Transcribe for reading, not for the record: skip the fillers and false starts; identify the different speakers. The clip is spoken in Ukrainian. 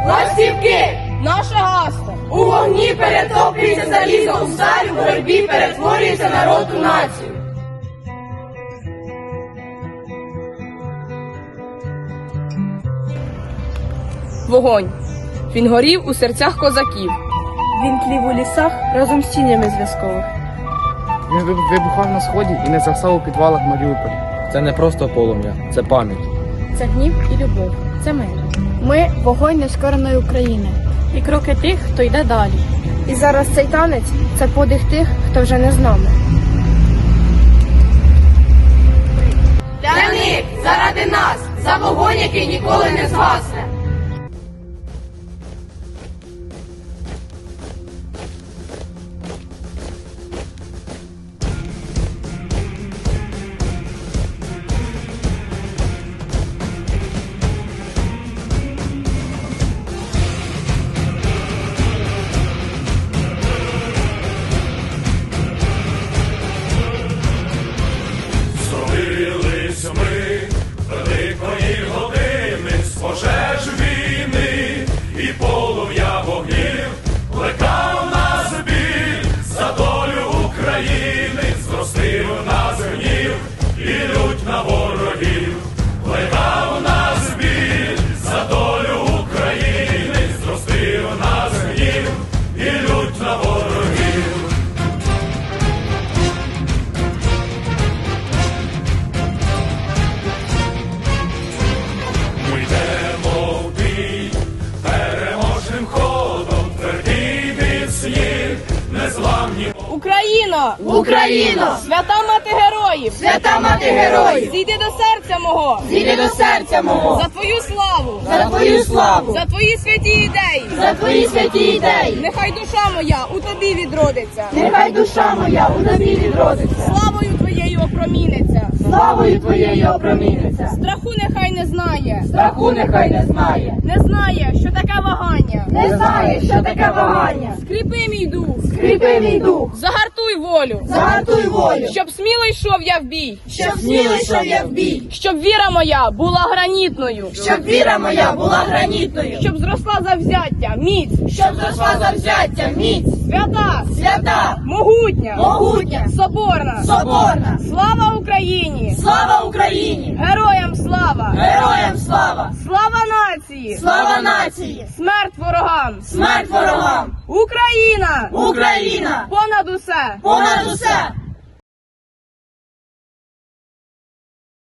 Speaker 1: Ластівки!
Speaker 2: Наше гасло!
Speaker 1: У вогні перетоплюється залізо, у сталь у боротьбі перетворюється народ у націю.
Speaker 2: Вогонь. Він горів у серцях козаків.
Speaker 3: Він тлів у лісах разом з тінями зв'язкових.
Speaker 4: Він вибухав на сході і не згасав у підвалах Маріуполя.
Speaker 5: Це не просто полум'я, це пам'ять.
Speaker 3: Це гнів і любов. Це ми. Ми – вогонь нескореної України. І кроки тих, хто йде далі. І зараз цей танець – це подих тих, хто вже не з нами.
Speaker 1: Для них, заради нас, за вогонь, який ніколи не згасне.
Speaker 6: Зробились ми великої години з пожеж війни і полум'я вогнів, плекав нас біль за долю України, зростив нас гнів і лють на ворогів, плекав нас біль за долю України, зростив нас гнів і лють на ворогів. Ми йдемо в бій переможним ходом, твердий міцні, незламні.
Speaker 2: Україно!
Speaker 1: Україно!
Speaker 2: Свята мати героїв!
Speaker 1: Свята мати героїв!
Speaker 2: Зійди до серця мого!
Speaker 1: Зійди до серця мого!
Speaker 2: За твою славу!
Speaker 1: За твою славу!
Speaker 2: За твої святі ідеї!
Speaker 1: За твої святі ідеї!
Speaker 2: Нехай душа моя у тобі відродиться!
Speaker 1: Нехай душа моя у тобі відродиться!
Speaker 2: Славою твоєю опроміниться!
Speaker 1: Славою твоєю опроміниться!
Speaker 2: Страху нехай не знає!
Speaker 1: Страху нехай не знає!
Speaker 2: Не знає, що таке вагання!
Speaker 1: Не знає, що таке вагання!
Speaker 2: Скріпи мій дух!
Speaker 1: Скріпи мій дух!
Speaker 2: Загартуй волю!
Speaker 1: Загартуй волю!
Speaker 2: Щоб сміло йшов я в бій!
Speaker 1: Щоб сміло йшов я в бій!
Speaker 2: Щоб віра моя була гранітною!
Speaker 1: Щоб віра моя була гранітною!
Speaker 2: Щоб зросла завзяття, міць!
Speaker 1: Щоб зросла завзяття, міць!
Speaker 2: Свята!
Speaker 1: Свята!
Speaker 2: Могутня!
Speaker 1: Могутня!
Speaker 2: Соборна!
Speaker 1: Соборна!
Speaker 2: Слава Україні!
Speaker 1: Слава Україні!
Speaker 2: Героям слава!
Speaker 1: Героям слава!
Speaker 2: Слава нації!
Speaker 1: Слава нації!
Speaker 2: Смерть ворогам!
Speaker 1: Смерть ворогам!
Speaker 2: Україна!
Speaker 1: Україна!
Speaker 2: Понад усе!
Speaker 1: Понад усе!